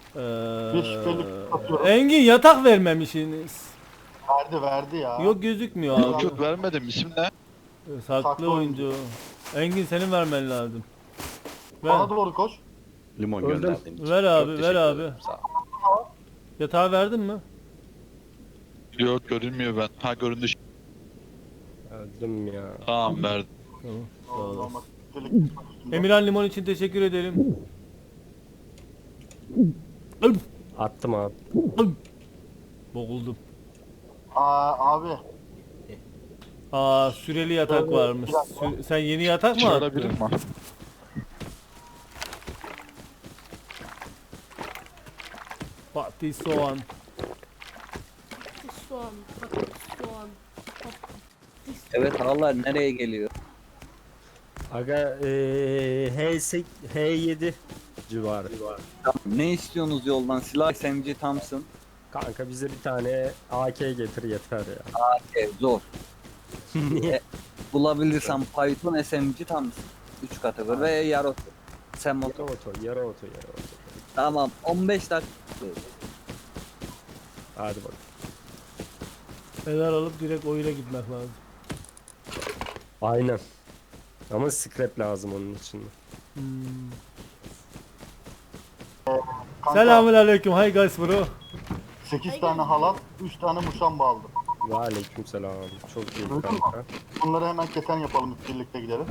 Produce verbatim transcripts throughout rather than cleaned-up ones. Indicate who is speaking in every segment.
Speaker 1: Bir şüpheli atıyorum.
Speaker 2: Engin yatak vermemişsiniz.
Speaker 1: Verdi verdi ya.
Speaker 2: Yok gözükmüyor abi.
Speaker 3: Yok yok vermedim. İsim ne?
Speaker 2: Ee, Saklı,
Speaker 1: Saklı
Speaker 2: oyuncu.
Speaker 1: oyuncu.
Speaker 2: Engin senin vermen lazım. Ver.
Speaker 1: Bana doğru koş.
Speaker 4: Limon
Speaker 5: Öldüm.
Speaker 4: gönderdiğin için.
Speaker 2: Ver abi,
Speaker 4: Çok
Speaker 2: ver
Speaker 4: teşekkür
Speaker 2: abi.
Speaker 4: ederim, sağ ol.
Speaker 2: Yatağı verdin mi?
Speaker 3: Yok görünmüyor ben. Ha göründü.
Speaker 5: Öldüm ya.
Speaker 3: Tamam verdim.
Speaker 2: Tamam. Sağ
Speaker 1: Olmaz,
Speaker 2: olasın.
Speaker 1: olmaz. Şüpheli üstünde.
Speaker 2: Emirhan Limon için teşekkür ederim.
Speaker 5: Attım abi.
Speaker 2: Boğuldum.
Speaker 1: Aa abi.
Speaker 2: Aa süreli yatak
Speaker 1: Evet,
Speaker 2: varmış.
Speaker 1: bir dakika.
Speaker 2: Sü- sen yeni yatak mı
Speaker 3: Çağırabilir
Speaker 2: attın?
Speaker 3: mi?
Speaker 2: Fatih Soğan.
Speaker 6: Soğan, patates, soğan, patates.
Speaker 7: Evet ağlar nereye geliyor?
Speaker 5: Aga eee H sekiz, H yedi civarı.
Speaker 7: Ne istiyorsunuz yoldan? Silah S M G Thompson.
Speaker 5: Kanka bize bir tane A K getir yeter ya.
Speaker 7: E, zor.
Speaker 5: Niye?
Speaker 7: Bulabilirsem Python S M G Thompson. üç kategori ve yarı oto. Sen
Speaker 5: Yarı
Speaker 7: motor.
Speaker 5: oto, yarı oto, yarı oto.
Speaker 7: Tamam on beş dakika.
Speaker 5: Hadi bak.
Speaker 2: Neler alıp direkt oyuna gitmek lazım.
Speaker 5: Aynen. Ama scrap lazım onun için.
Speaker 2: Hmm.
Speaker 1: Kanka,
Speaker 2: Selamun aleyküm. Hi guys bro.
Speaker 1: sekiz tane halat, üç tane muşamba aldım.
Speaker 5: Ve aleykümselam. Çok iyi
Speaker 1: Duydun mu?
Speaker 5: kanka.
Speaker 1: Bunları hemen keten yapalım, birlikte gidelim.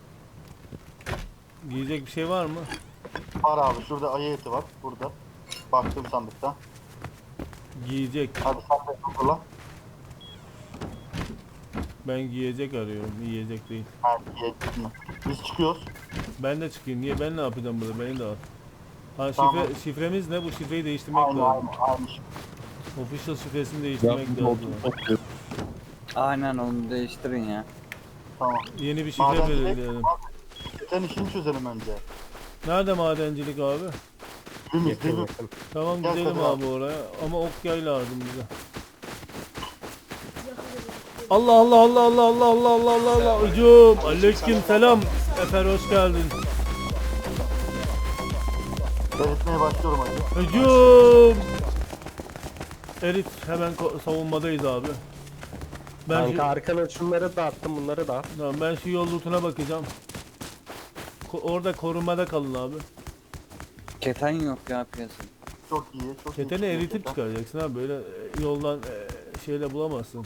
Speaker 2: Giyecek bir şey var mı?
Speaker 1: Var abi, şurada ayı eti var, burada. Baktım sandıkta.
Speaker 2: Giyecek.
Speaker 1: Hadi sen de hazırla.
Speaker 2: Ben giyecek arıyorum. Yiyecek değil.
Speaker 1: Ha, yettin mi? Biz çıkıyoruz.
Speaker 2: Ben de çıkayım. Niye? Ben ne yapacağım burada? Beni de al. Ha şifre,
Speaker 1: Tamam.
Speaker 2: şifremiz ne? Bu şifreyi değiştirmek
Speaker 1: Aynı
Speaker 2: lazım.
Speaker 1: aynı aynı şey.
Speaker 2: Official şifresini değiştirmek
Speaker 3: Ben
Speaker 2: lazım.
Speaker 7: Aynen onu değiştirin ya.
Speaker 1: Tamam.
Speaker 2: Yeni bir şifre
Speaker 1: Madencilik-
Speaker 2: belirleyelim.
Speaker 1: Keten işini çözelim önce.
Speaker 2: Nerede madencilik abi?
Speaker 1: Dibimiz,
Speaker 5: Yakın
Speaker 1: dibimiz.
Speaker 5: yakın.
Speaker 2: Tamam
Speaker 1: Gel
Speaker 2: gidelim
Speaker 1: Kadir
Speaker 2: abi
Speaker 1: abi.
Speaker 2: oraya. Ama ok yay lazım bize.
Speaker 6: Yakaladım.
Speaker 2: Allah Allah Allah Allah Allah Allah Allah Allah Allah. Hücum. Aleyküm selam. Efer hoş geldin.
Speaker 1: Eritmeye başlıyorum hadi.
Speaker 2: Hücum. Erit hemen ko- savunmadayız abi. Ben
Speaker 5: Kanka
Speaker 2: şu,
Speaker 5: arkana şunları da attım, bunları da at.
Speaker 2: tamam, ben şu yol lootuna bakacağım. Ko- orada korumada kalın abi.
Speaker 7: Keten yok ya piyasada.
Speaker 1: Çok iyi, çok iyi.
Speaker 2: Keteni
Speaker 1: çıkıyor
Speaker 2: eritip
Speaker 1: keten.
Speaker 2: çıkaracaksın abi. Böyle e, yoldan e, şeyle bulamazsın.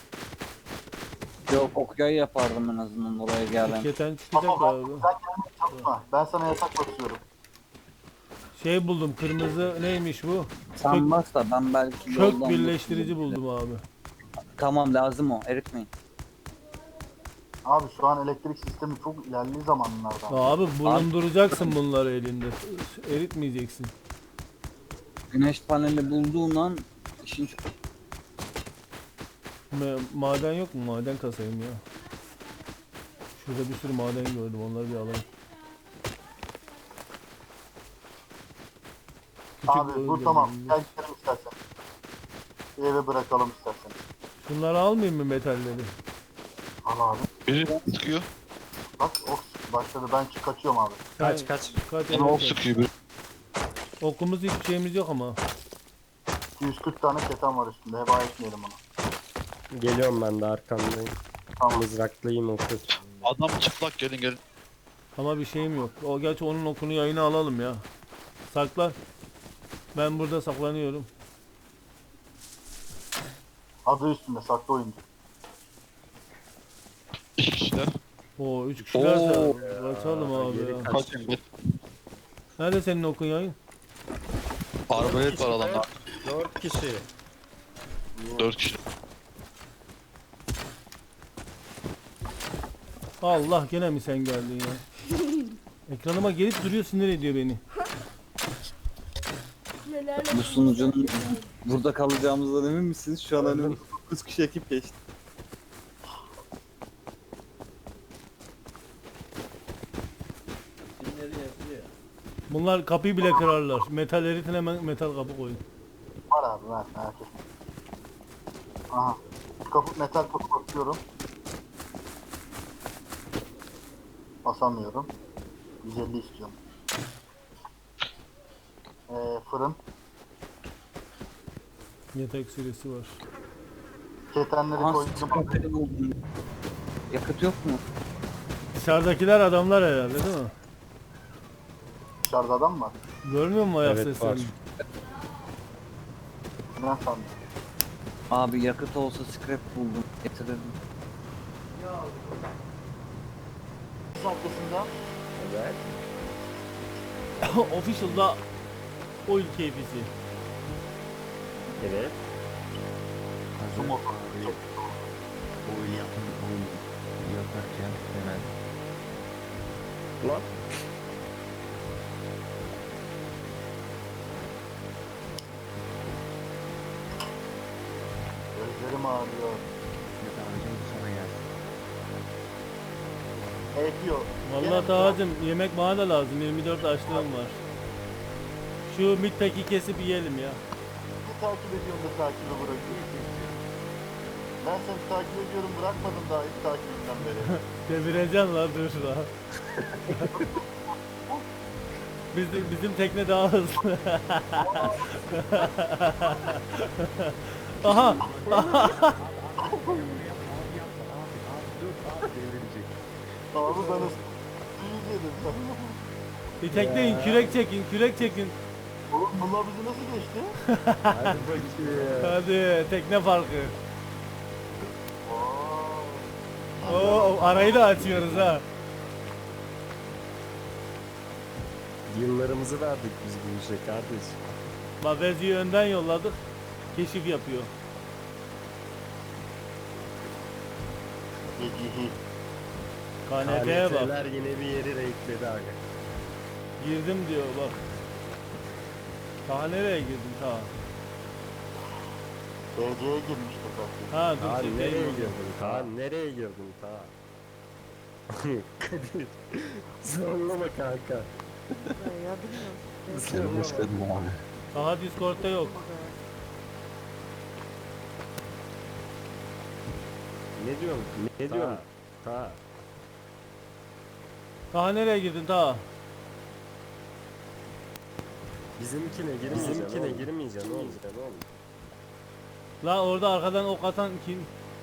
Speaker 7: Yok okyay yapardım en azından oraya gelen.
Speaker 2: Keten çıkacak
Speaker 1: Tamam,
Speaker 2: abi.
Speaker 1: sen kendini çalışma. Ben sana yatak basıyorum.
Speaker 2: Şey buldum. Kırmızı neymiş bu?
Speaker 7: Sanmazsa ben belki
Speaker 2: Kök
Speaker 7: yoldan
Speaker 2: birleştirici
Speaker 7: bulurum.
Speaker 2: buldum abi.
Speaker 7: Tamam lazım o eritmeyin.
Speaker 1: Abi şu an elektrik sistemi çok ilerli zamanlardan.
Speaker 2: Abi bulunduracaksın bunları elinde. Eritmeyeceksin.
Speaker 7: Güneş paneli bulduğun an işin çok...
Speaker 2: Ma- maden yok mu? Maden kasayım ya. Şurada bir sürü maden gördüm. Onları bir alayım. Küçük
Speaker 1: Abi
Speaker 2: boy
Speaker 1: bu tamam.
Speaker 2: gördüm.
Speaker 1: Gel gidelim istersen. Bir eve bırakalım istersen.
Speaker 2: Şunları almayayım mı metalleri?
Speaker 1: Al abi.
Speaker 3: Biri sıkıyor.
Speaker 1: Bak ok başladı. Ben çık kaçıyorum abi.
Speaker 5: Kaç
Speaker 2: Sen-
Speaker 5: kaç.
Speaker 2: Kaç
Speaker 3: Bana ok
Speaker 2: elli-
Speaker 3: sıkıyor biri.
Speaker 2: Okumuz hiçbir şeyimiz yok ama.
Speaker 1: iki yüz kırk tane keten var üstünde. Heba etmeyelim onu.
Speaker 5: Geliyorum ben de arkandayım.
Speaker 1: Tamam.
Speaker 5: Mızraklıyım oku.
Speaker 3: Adam çıplak gelin gelin.
Speaker 2: Ama bir şeyim yok. O gerçi onun okunu yayına alalım ya. Saklan. Ben burada saklanıyorum.
Speaker 1: Adı üstünde. Saklı oyuncu.
Speaker 3: İki kişiler.
Speaker 2: Oo üç kişilerse
Speaker 7: Oo.
Speaker 2: kaçalım abi
Speaker 5: Geri
Speaker 2: ya.
Speaker 5: kaç.
Speaker 3: Kaçın bir.
Speaker 2: Nerede senin okun yayın?
Speaker 3: Arbalet var adamda.
Speaker 5: Dört kişi.
Speaker 3: Dört kişi.
Speaker 2: Allah gene mi sen geldin ya? Ekranıma gelip duruyor, sinir ediyor beni.
Speaker 6: Nelerle
Speaker 7: Bu sunucunun burada kalacağımızdan emin misiniz? Şu an önümüzde dokuz kişi ekip geçti.
Speaker 2: Bunlar kapıyı bile kırarlar. Metal eritin, hemen metal kapı koyun.
Speaker 1: Var abi ver. Merak etme. Aha. Kapı, metal kapı basıyorum. Basamıyorum. yüz elli istiyorum. Ee, fırın.
Speaker 2: Yetek süresi var.
Speaker 1: Ketenleri
Speaker 7: Aha
Speaker 1: koydum.
Speaker 7: sıkıntı buldum. Yakıt yok mu?
Speaker 2: Dışarıdakiler adamlar herhalde değil mi?
Speaker 1: Dışarıda adam var.
Speaker 2: Görmüyor musun ayak
Speaker 5: Evet,
Speaker 2: seslerini?
Speaker 5: var.
Speaker 1: Ne sandın?
Speaker 7: Abi yakıt olsa scrap buldum. Getirirdim.
Speaker 1: Arkasında
Speaker 5: Evet.
Speaker 2: Official'da oil keyfisi.
Speaker 5: Evet.
Speaker 1: su motoru.
Speaker 4: Oil yapın, oil yaparken hemen
Speaker 5: Lan.
Speaker 1: Gözlerim ağrıyor.
Speaker 4: yatağınızın sana gelsin.
Speaker 1: Ekiyor.
Speaker 2: Vallahi Tağacım yemek bana da lazım. yirmi dört açlığım var. Şu midpeki kesip yiyelim ya.
Speaker 1: Bir takip ediyorum da takibi bırakıyorum. Ben seni takip ediyorum bırakmadım daha ilk takibimden beri.
Speaker 2: Devireceğim lan dur lan. Bizim, bizim tekne daha hızlı. Aha!
Speaker 1: Abi ben ıs- suyu yedim sen.
Speaker 2: Bir tekneyin, kürek çekin, kürek çekin.
Speaker 1: Oğlum bunlar bizi nasıl geçti?
Speaker 5: Hadi bakayım.
Speaker 2: Hadi tekne farkı.
Speaker 1: Oo.
Speaker 2: Oo, arayı da açıyoruz ha.
Speaker 5: Yıllarımızı verdik biz bu işe kardeş.
Speaker 2: Mavezi'yi önden yolladık. Keşif yapıyor.
Speaker 1: Gecihi.
Speaker 2: K N T'ye bak.
Speaker 5: K N T'ler yine bir yeri reikledi aga.
Speaker 2: Girdim diyor bak. Ta nereye girdin ta?
Speaker 1: B C'ye girmiştir belki.
Speaker 2: Ha dur
Speaker 5: Kaan
Speaker 2: çekeyim
Speaker 5: nereye
Speaker 2: onu.
Speaker 5: girdin? Kaan nereye girdin ta? Kadir. Zorlama kanka.
Speaker 6: Ya bilmiyorum.
Speaker 4: Seni boşladım abi.
Speaker 2: Daha Discord'da yok.
Speaker 5: Ne diyorsun? Ne diyorsun? Ta.
Speaker 2: Ta nereye girdin ta?
Speaker 5: Bizimkine girmeyeceksin. Bizimkine girmeyeceksin oğlum. oğlum.
Speaker 2: La orada arkadan ok atan kim?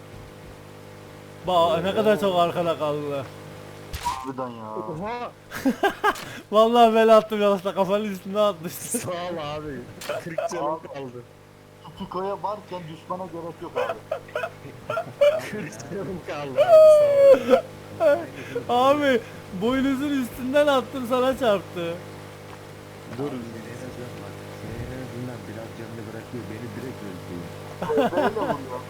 Speaker 2: Bak ne kadar çok arkada kaldılar.
Speaker 1: Harbiden ya.
Speaker 5: Oha!
Speaker 2: Vallahi bel attım yoksa kafanın üstüne atmıştım.
Speaker 5: Sağ ol abi. kırk canım kaldı.
Speaker 1: Tutiko'ya varken düşmana gerek yok abi.
Speaker 5: kırk canım kaldı abi sağ ol.
Speaker 2: Abi boynuzun üstünden attım sana çarptı.
Speaker 5: Dur.
Speaker 4: Bak, senin en azından biraz canını bırakıyor. Beni direkt öldürüyor.
Speaker 1: Böyle vuruyor.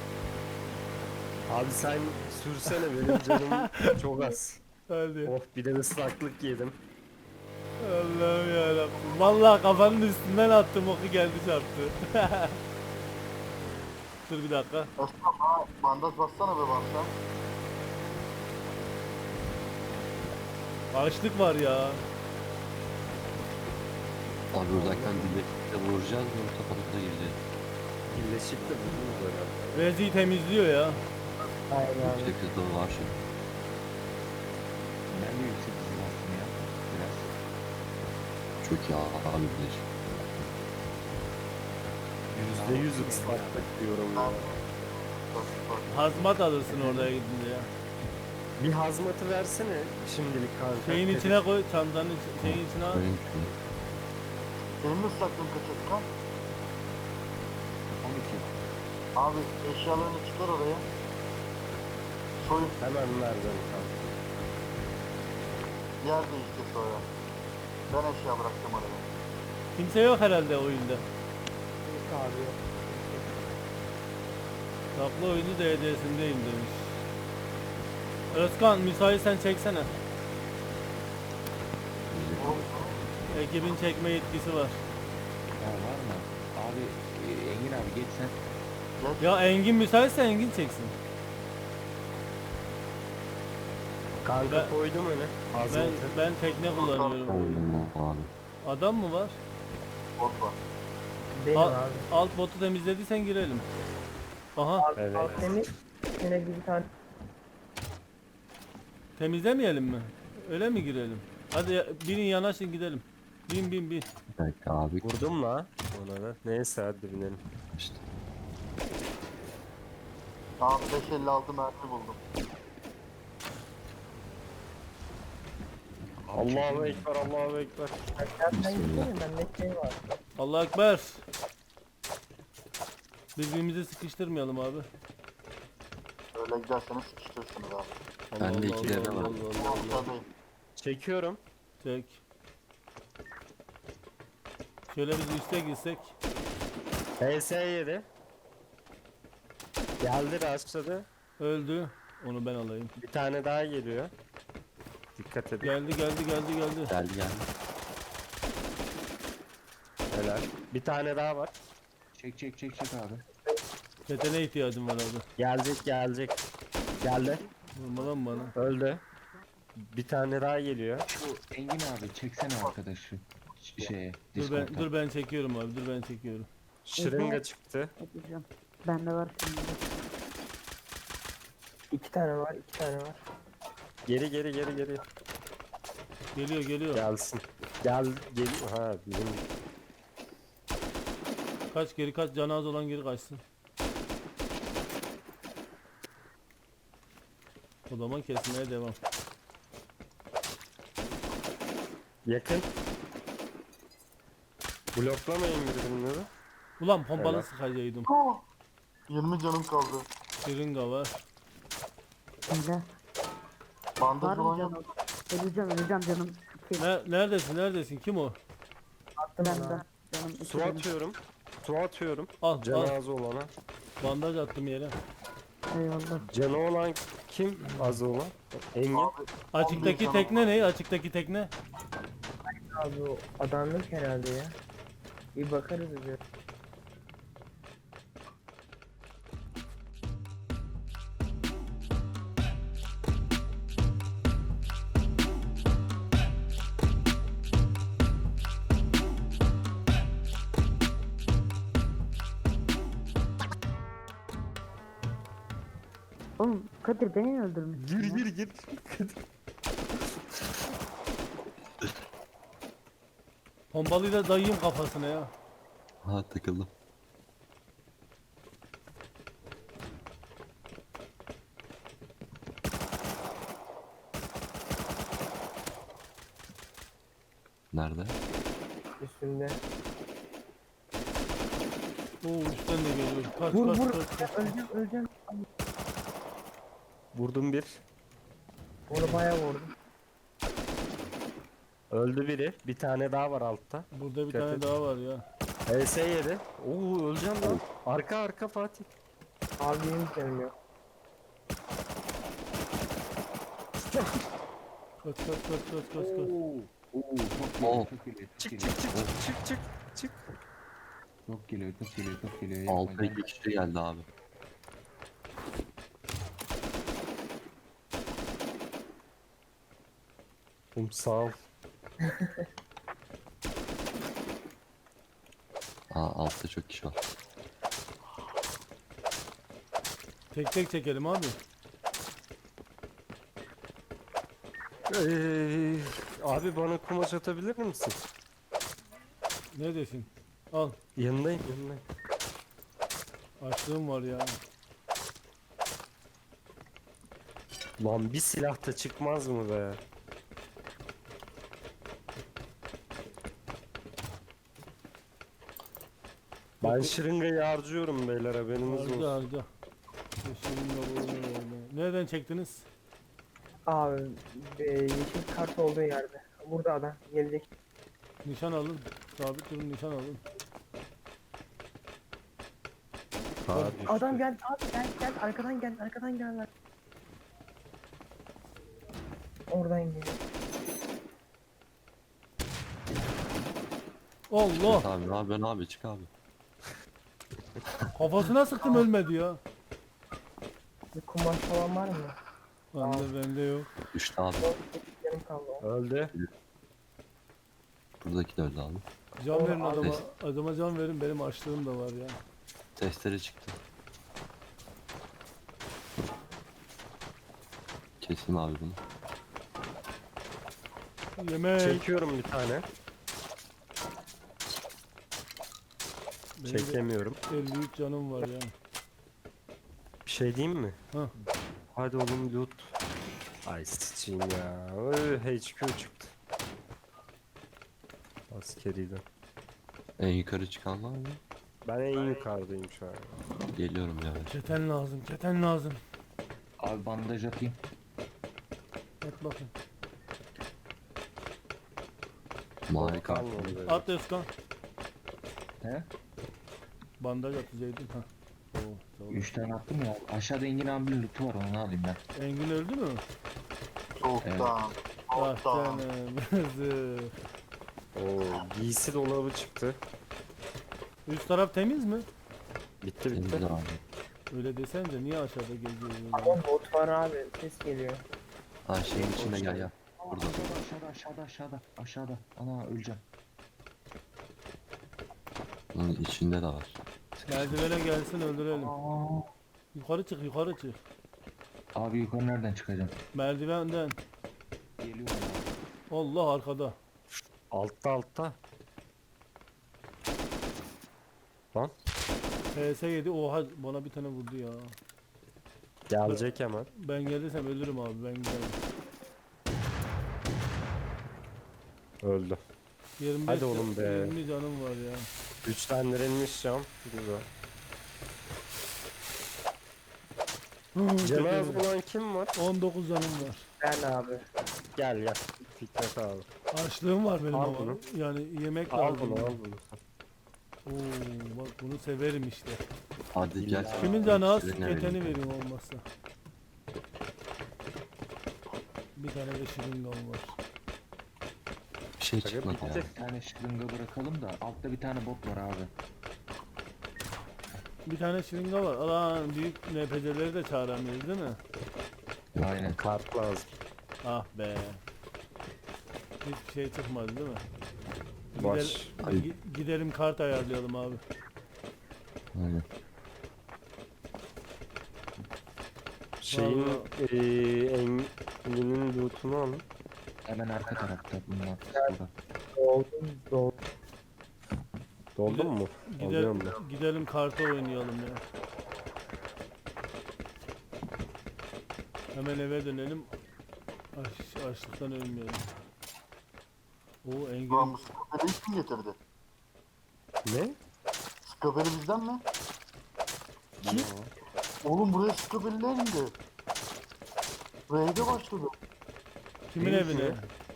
Speaker 5: Abi sen sürsene benim canım çok az.
Speaker 2: Hadi.
Speaker 5: Of bir de ıslaklık yedim.
Speaker 2: Allah'ım yarabbim. Vallahi kafanın üstünden attım oku geldi çarptı. Dur bir dakika.
Speaker 1: Esnaf ha, bandaj bassana be bassam.
Speaker 2: Açlık var ya.
Speaker 4: Abi uzaktan dille vuracağız mı? Kapatıp da gireceğiz.
Speaker 5: Birleşik de vurdunuz herhalde.
Speaker 2: Rezi'yi temizliyor ya.
Speaker 4: Yüksek hızlı var şimdi. Ben de yüksek hızlı bastım ya. Biraz. Çok iyi abi bir.
Speaker 5: Yüzde yüz ıslaklık diyorum ya.
Speaker 2: Hazmat alırsın oraya gidince ya.
Speaker 5: Bir hazmatı versene şimdilik kanka.
Speaker 2: Şeyin içine koy, çantanın iç- şeyin içine al.
Speaker 4: Benim için.
Speaker 1: Senin mi saklın kaçırtkan?
Speaker 4: on iki.
Speaker 1: Abi eşyalarını çıkar oraya. Soyun
Speaker 5: Hemen vereceğim kanka.
Speaker 1: yer değiştir sonra. Ben eşya bıraktım oraya.
Speaker 2: Kimse yok herhalde oyunda. Saklı oyunu D C'sindeyim demiş. Özkan müsaitsen çeksene. Ekibin çekme yetkisi var.
Speaker 4: Ya var mı? Abi e, Engin abi geç sen.
Speaker 2: Ya Engin müsaitse Engin çeksin.
Speaker 5: Kanka
Speaker 2: Ben-
Speaker 5: koydum öne.
Speaker 2: Ben
Speaker 5: Hazmatı.
Speaker 2: ben tekne kullanıyorum.
Speaker 4: Oğlum abi.
Speaker 2: Adam mı var?
Speaker 1: Bot var.
Speaker 2: Al- alt botu temizlediysen girelim. Aha,
Speaker 5: Evet.
Speaker 8: Temiz. Yine bir tane
Speaker 2: temizlemeyelim mi? Öyle mi girelim? Hadi ya- birin yanaşın gidelim. Bin bin bin.
Speaker 4: Bir dakika abi.
Speaker 5: Vurdum la ona da. Neyse hadi binelim.
Speaker 4: İşte.
Speaker 1: Tamam beş elli altı mermi buldum.
Speaker 5: Allahu Ekber, Allahu Ekber.
Speaker 8: Aşağıdan gitsene bende şey var.
Speaker 2: Allah ekber. Birbirimizi sıkıştırmayalım abi.
Speaker 1: Böyle giderseniz sıkıştırırsınız abi.
Speaker 2: Allah
Speaker 4: Ben de
Speaker 2: Allah
Speaker 4: ikilerde
Speaker 2: Allah
Speaker 4: var.
Speaker 2: Allah Allah Allah.
Speaker 1: Ortadayım.
Speaker 5: Çekiyorum.
Speaker 2: Çek. Şöyle biz üste gitsek.
Speaker 5: H S yedi. Geldi rastladı.
Speaker 2: Öldü. Onu ben alayım.
Speaker 5: Bir tane daha geliyor. Dikkat edin.
Speaker 2: Geldi geldi geldi geldi.
Speaker 4: Geldi geldi.
Speaker 5: Helal. Bir tane daha var.
Speaker 4: Çek çek çek çek abi.
Speaker 2: Tetene ihtiyacım var abi.
Speaker 5: Gelecek gelecek. Geldi.
Speaker 2: Vurma lan bana.
Speaker 5: Öldü. Bir tane daha geliyor.
Speaker 4: Şu Engin abi çeksene arkadaşı. Şeye.
Speaker 2: Dur ben, dur ben çekiyorum abi. Dur ben çekiyorum.
Speaker 5: Şırınga çıktı.
Speaker 6: Yapacağım. Bende var şimdi.
Speaker 8: İki tane var, iki tane var.
Speaker 5: Geri geri geri geri.
Speaker 2: Geliyor geliyor.
Speaker 5: Gelsin. Gel geliyor. Ha bizim
Speaker 2: Kaç geri kaç. Canı az olan geri kaçsın. O zaman kesmeye devam.
Speaker 5: yakın. Bloklamayın birbirini.
Speaker 2: Ulan pompalı
Speaker 5: Helal.
Speaker 2: sıkacaktım.
Speaker 1: yirmi canım kaldı.
Speaker 2: Şırınga var.
Speaker 6: Bende.
Speaker 1: Bandaj
Speaker 6: Var mı
Speaker 1: olan yok.
Speaker 6: canım? Öleceğim öleceğim canım. İki.
Speaker 2: Ne, neredesin neredesin? Kim o?
Speaker 8: Attım
Speaker 6: Bende.
Speaker 8: ona.
Speaker 6: Canım iki
Speaker 5: Su
Speaker 6: benim.
Speaker 5: atıyorum. Su atıyorum.
Speaker 2: Al al.
Speaker 5: Cenaze olana.
Speaker 2: Bandaj attım yere.
Speaker 6: Eyvallah.
Speaker 5: Canı olan kim? Az olan. Engin.
Speaker 2: Açıktaki tekne ne? Açıktaki tekne.
Speaker 8: Abi o adamlık herhalde ya. Bir bakarız bir.
Speaker 6: Oğlum Kadir beni mi öldürmüşsün
Speaker 5: Gir
Speaker 6: ya?
Speaker 5: gir gir.
Speaker 2: Pompalıyı da dayayım kafasına ya.
Speaker 4: Ha takıldım. Nerede?
Speaker 8: Üstünde.
Speaker 2: Oo üstten de geliyor. Kaç
Speaker 8: Vur
Speaker 2: kaç
Speaker 8: vur.
Speaker 2: kaç kaç.
Speaker 8: Öleceğim öleceğim.
Speaker 5: Vurdum bir.
Speaker 8: Onu bayağı vurdum.
Speaker 5: Öldü biri. Bir tane daha var altta.
Speaker 2: Burada bir
Speaker 5: Dikkat
Speaker 2: tane
Speaker 5: et.
Speaker 2: daha var ya.
Speaker 5: H S yedi. Oo öleceğim lan. Arka arka Fatih.
Speaker 8: Abi benim canım yok.
Speaker 2: Kaç kaç kaç kaç kaç kaç.
Speaker 4: Oo, çok Oo. çok geliyor, çok
Speaker 5: Çık
Speaker 4: geliyor.
Speaker 5: çık çık çık çık çık çık.
Speaker 4: Çok geliyor, çok geliyor, çok geliyor. Yapma,
Speaker 5: şey
Speaker 4: gel.
Speaker 2: şey
Speaker 4: Altı iki kişi geldi abi.
Speaker 5: Oğlum sağ ol.
Speaker 4: Aa altta çok kişi var.
Speaker 2: Tek tek çekelim abi.
Speaker 5: Ee, abi bana kumaş atabilir misin?
Speaker 2: Neredesin? Al.
Speaker 5: Yanındayım yanındayım.
Speaker 2: Açlığım var ya.
Speaker 5: Lan bir silah da çıkmaz mı be? Ben şırıngayı harcıyorum beyler haberiniz
Speaker 2: Harca
Speaker 5: olsun.
Speaker 2: harca. Şırınga bu, ne? Nereden çektiniz?
Speaker 8: Abi e, yeşil kart olduğu yerde. Burada adam gelecek.
Speaker 2: Nişan alın. Sabit durun nişan alın.
Speaker 5: Ha, düştü.
Speaker 8: Adam gel abi gel gel arkadan gel arkadan gel lan. Oradan gel.
Speaker 2: Allah!
Speaker 4: Abi ne yapıyorsun abi çık abi.
Speaker 2: Kafasına sıktım ölmedi ya.
Speaker 8: Bir kumaş falan var mı?
Speaker 2: Bende bende yok.
Speaker 4: Düştü abi.
Speaker 8: Yarım kaldı.
Speaker 5: Öldü.
Speaker 4: Buradaki de öldü abi.
Speaker 2: Can verin
Speaker 8: Oğlum,
Speaker 2: adama. Adama can verin benim açlığım da var ya.
Speaker 4: Testere çıktı. Kesin abi bunu.
Speaker 2: Yemek.
Speaker 5: Çekiyorum bir tane.
Speaker 2: Benim de
Speaker 5: Çekemiyorum.
Speaker 2: elli üç canım var ya.
Speaker 5: Bir şey diyeyim mi?
Speaker 2: Hah.
Speaker 5: Hadi oğlum loot. Ay sıçayım ya. Öy, H Q çıktı. Askeriden.
Speaker 4: En yukarı çıkan var mı?
Speaker 5: Ben en yukarıdayım şu an.
Speaker 4: Geliyorum yavaş.
Speaker 2: Keten lazım, keten lazım.
Speaker 4: Abi bandaj atayım.
Speaker 2: Et bakın.
Speaker 4: Mavi kart.
Speaker 5: Kalmadı böyle.
Speaker 2: At Özkan.
Speaker 4: He?
Speaker 2: Bandaj at Zeydin. Ha. Oo, sağ ol.
Speaker 4: Üç tane attım ya. Aşağıda Engin abinin lootu var, onu alayım ben.
Speaker 2: Engin öldü mü?
Speaker 1: Soğuktan.
Speaker 2: Ah
Speaker 1: Soğuktan.
Speaker 2: canım. Zıh.
Speaker 5: Oo, giysi dolabı çıktı.
Speaker 2: Üst taraf temiz mi?
Speaker 5: Bitti bitti.
Speaker 4: Temiz abi.
Speaker 2: Öyle desence niye aşağıda geziyorsun?
Speaker 8: Ama bot var abi. Ses geliyor.
Speaker 4: Ha şeyin içinde gel gel. Burada. Aşağıda aşağıda aşağıda aşağıda. Ana öleceğim. Bunun içinde de var.
Speaker 2: Merdivene gelsin öldürelim.
Speaker 4: Aa.
Speaker 2: Yukarı çık, yukarı çık.
Speaker 4: Abi yukarı nereden çıkacağım?
Speaker 2: Merdivenden.
Speaker 4: Geliyorum.
Speaker 2: Allah arkada.
Speaker 5: Altta altta. Lan
Speaker 2: P S yedi. Oha bana bir tane vurdu ya.
Speaker 5: gelecek hemen.
Speaker 2: Ben gelirsem ölürüm abi. Ben giderim.
Speaker 5: Öldü.
Speaker 2: yirmi beş
Speaker 5: Hadi oğlum be.
Speaker 2: yirmi canım var ya.
Speaker 5: Güçlendirilmiş cam. Güzel. Cenaze bulan kim var?
Speaker 2: on dokuz canım var.
Speaker 8: Ben abi.
Speaker 5: Gel gel. Fikret abi.
Speaker 2: Açlığım var benim
Speaker 5: Al
Speaker 2: ama.
Speaker 5: bunu.
Speaker 2: Yani yemek
Speaker 5: Al
Speaker 2: lazım.
Speaker 5: bunu al bunu.
Speaker 2: Oo, bak bunu severim işte.
Speaker 4: Hadi gel.
Speaker 2: Kimin canı az?
Speaker 4: Şirin
Speaker 2: Keteni
Speaker 4: evine.
Speaker 2: vereyim olmazsa. Bir tane de şırıngam var.
Speaker 4: Bir şey
Speaker 5: Aga
Speaker 4: çıkmadı ya.
Speaker 5: bitti.
Speaker 9: Bir tane şırınga bırakalım da altta bir tane bot var abi.
Speaker 2: Bir tane şırınga var. Alan büyük N P C'leri de çağıramıyoruz değil mi?
Speaker 9: Aynen.
Speaker 5: Kart lazım.
Speaker 2: Ah be. Hiçbir şey çıkmadı değil mi?
Speaker 5: Baş.
Speaker 2: Gider- gi- gidelim kart ayarlayalım abi.
Speaker 4: Aynen.
Speaker 5: Şeyin
Speaker 2: Vallahi-
Speaker 5: eee Engin'in lootunu alın.
Speaker 9: Hemen arka tarafta bunlar. Burada.
Speaker 8: Doldum doldum.
Speaker 5: Doldun mu?
Speaker 2: Gider,
Speaker 5: Alıyorum ben.
Speaker 2: gidelim karta oynayalım ya. Hemen eve dönelim. Aç, açlıktan ölmeyelim. O
Speaker 1: Ulan
Speaker 2: Engin
Speaker 1: bu skaperi kim getirdi?
Speaker 5: Ne?
Speaker 1: Skaperi bizden mi? Kim? Oğlum buraya skaperiler indi. Raid'e başladı.
Speaker 2: kimin
Speaker 5: Değil
Speaker 2: evine?
Speaker 5: mi?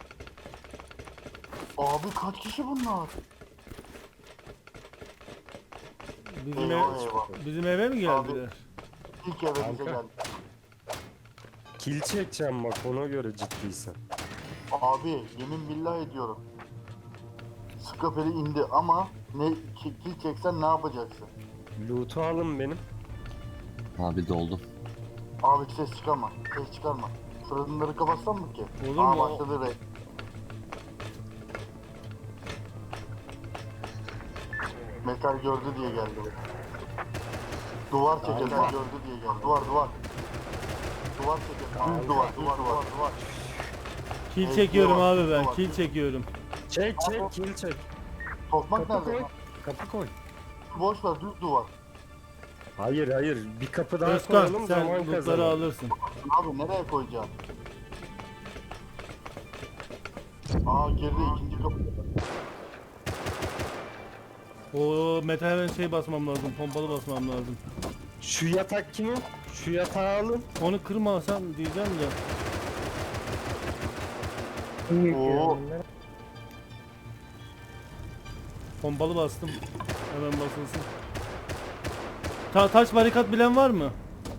Speaker 1: Abi kaç kişi bunlar?
Speaker 2: Bizim,
Speaker 1: Eyvah
Speaker 2: ev,
Speaker 1: eyvah.
Speaker 2: bizim eve mi geldiler?
Speaker 1: İlk eve bize
Speaker 5: Kanka.
Speaker 1: geldi.
Speaker 5: Kill çekeceğim bak ona göre ciddiysen.
Speaker 1: Abi yemin billah ediyorum. Skaperi indi ama ne kill çeksen ne yapacaksın?
Speaker 5: Loot'u alın benim.
Speaker 4: Abi doldum.
Speaker 1: Abi ses çıkarma. Ses çıkarma. Fırınları kapatsam mı ki?
Speaker 2: Olur
Speaker 1: Aa,
Speaker 2: mu?
Speaker 1: başladı raid. Metal gördü diye geldi. Duvar çeker
Speaker 5: Kanka.
Speaker 1: gördü diye geldi. Duvar duvar. Duvar çeker. Düz duvar, düz duvar, duvar.
Speaker 2: Kill
Speaker 1: Evet,
Speaker 2: çekiyorum
Speaker 1: var,
Speaker 2: abi ben.
Speaker 1: var.
Speaker 2: Kill çekiyorum.
Speaker 5: Çek çek kill çek.
Speaker 1: Tokmak
Speaker 5: Kapı koy.
Speaker 1: nerede?
Speaker 5: Kapı koy.
Speaker 1: Boş ver düz duvar.
Speaker 5: Hayır hayır bir kapı daha
Speaker 2: Özkan
Speaker 5: koyalım
Speaker 2: sen
Speaker 5: zaman
Speaker 2: lootları
Speaker 5: kazanalım.
Speaker 2: alırsın.
Speaker 1: Abi nereye koyacağım? Aa geride ikinci kapı.
Speaker 2: O metal şey basmam lazım. Pompalı basmam lazım.
Speaker 5: Şu yatak kimin? Şu yatağı alın.
Speaker 2: Onu kırmasam diyeceğim de.
Speaker 8: İyi
Speaker 1: Oo.
Speaker 8: yapıyorum bunları.
Speaker 2: Pompalı bastım. Hemen basılsın. Ta taş barikat bilen var mı?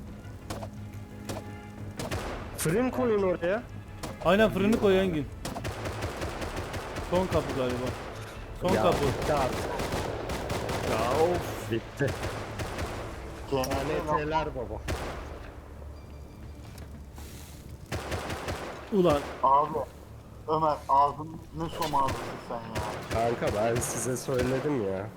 Speaker 5: Fırın koyun oraya.
Speaker 2: Aynen fırını koy Engin. Son kapı galiba. Son
Speaker 5: Ya,
Speaker 2: kapı.
Speaker 5: bitti artık. Ya of bitti.
Speaker 1: Kendine
Speaker 5: N T'ler baba.
Speaker 2: Ulan
Speaker 1: Abi Ömer ağzın ne şom ağzısın sen ya.
Speaker 5: Kanka ben size söyledim ya.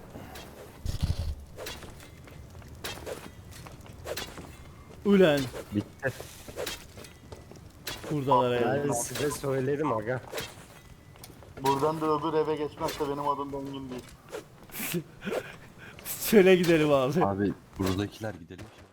Speaker 2: ulan
Speaker 5: Bitti.
Speaker 2: kurdalara
Speaker 5: Ben
Speaker 2: ya.
Speaker 5: size söyledim aga.
Speaker 1: Buradan da öbür eve geçmezse benim adım Engin değil.
Speaker 2: Çöle gidelim abi.
Speaker 9: Abi buradakiler gidelim.